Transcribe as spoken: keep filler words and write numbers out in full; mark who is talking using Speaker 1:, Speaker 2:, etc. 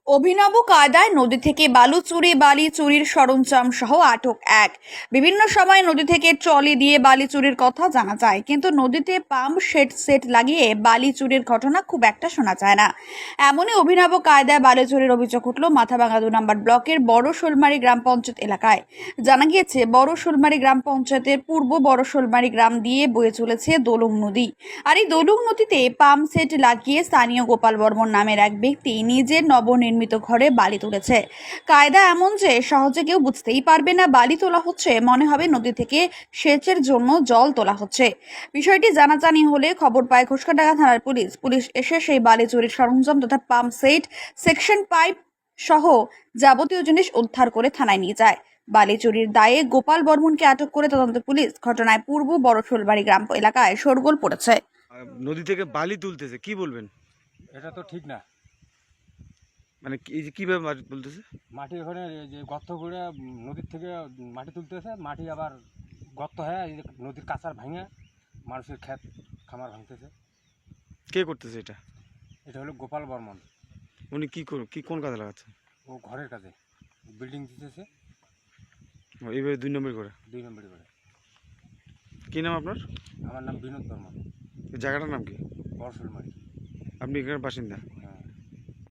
Speaker 1: অভিনব কায়দায় নদী থেকে বালু চুরি বালি চুরির সরঞ্জাম সহ আটক এক। বিভিন্ন সময় নদী থেকে ট্রলি দিয়ে বালি চুরির কথা জানা যায়, কিন্তু নদীতে পাম্প সেট সেট লাগিয়ে বালি চুরির ঘটনা খুব একটা শোনা যায় না। এমনই অভিনব কায়দায় বালি চুরির অভিযোগ উঠল মাথাভাঙা দু নম্বর ব্লকের বড় শোলমারি গ্রাম পঞ্চায়েত এলাকায়। জানা গিয়েছে, বড় শোলমারি গ্রাম পঞ্চায়েতের পূর্ব বড় শোলমারি গ্রাম দিয়ে বয়ে চলেছে দোলং নদী। আর এই দোলং নদীতে পাম্প সেট লাগিয়ে স্থানীয় গোপাল বর্মন নামের এক ব্যক্তি নিজের নবনির্মিত ঘরে বালি তুলেছে। কায়দা এমন যে সহজে কেউ বুঝতেই পারবে না বালি তোলা হচ্ছে, মনে হবে নদী থেকে সেচের জন্য জল তোলা হচ্ছে। বিষয়টি জানাজানি হলে খবর পায় ঘোষকাডাঙ্গা থানার পুলিশ। পুলিশ এসে সেই বালি চুরির সরঞ্জাম তথা পাম্প সেট, সেকশন পাইপ সহ যাবতীয় জিনিস উদ্ধার করে থানায় নিয়ে যায়। বালি চুরির দায়ে গোপাল বর্মনকে আটক করে তদন্ত পুলিশ। ঘটনায় পূর্ব বড় শোলবাড়ি গ্রাম এলাকায় শোরগোল পড়েছে।
Speaker 2: আহ, নদী থেকে বালি তুলতেছে, কি বলবেন?
Speaker 3: এটা তো ঠিক না।
Speaker 2: মানে কি- এই যে কিভাবে মাটি তুলতেছে?
Speaker 3: মাটি ওখানে এই যে গর্ত করে উম, নদীর থেকে মাটি তুলতেছে, মাটি আবার গর্ত হয়ে এই যে নদীর কাঁচার ভাঙে মানুষের ক্ষেত খামার ভাঙতেছে।
Speaker 2: কে করতেছে এটা?
Speaker 3: এটা হলো গোপাল বর্মন।
Speaker 2: উনি কি কর- কি কোন কাজে লাগাচ্ছে?
Speaker 3: ও ঘরের কাজে বিল্ডিং দিতেছে
Speaker 2: ও, এইভাবে দুই নম্বর করে।
Speaker 3: দুই নম্বরই করে।
Speaker 2: কি নাম আপনার?
Speaker 3: আমার নাম বিনোদ বর্মন,
Speaker 2: এই জায়গাটার নাম কি?
Speaker 3: বড়শোলমারি।
Speaker 2: আপনি এখানে বাসিন্দা?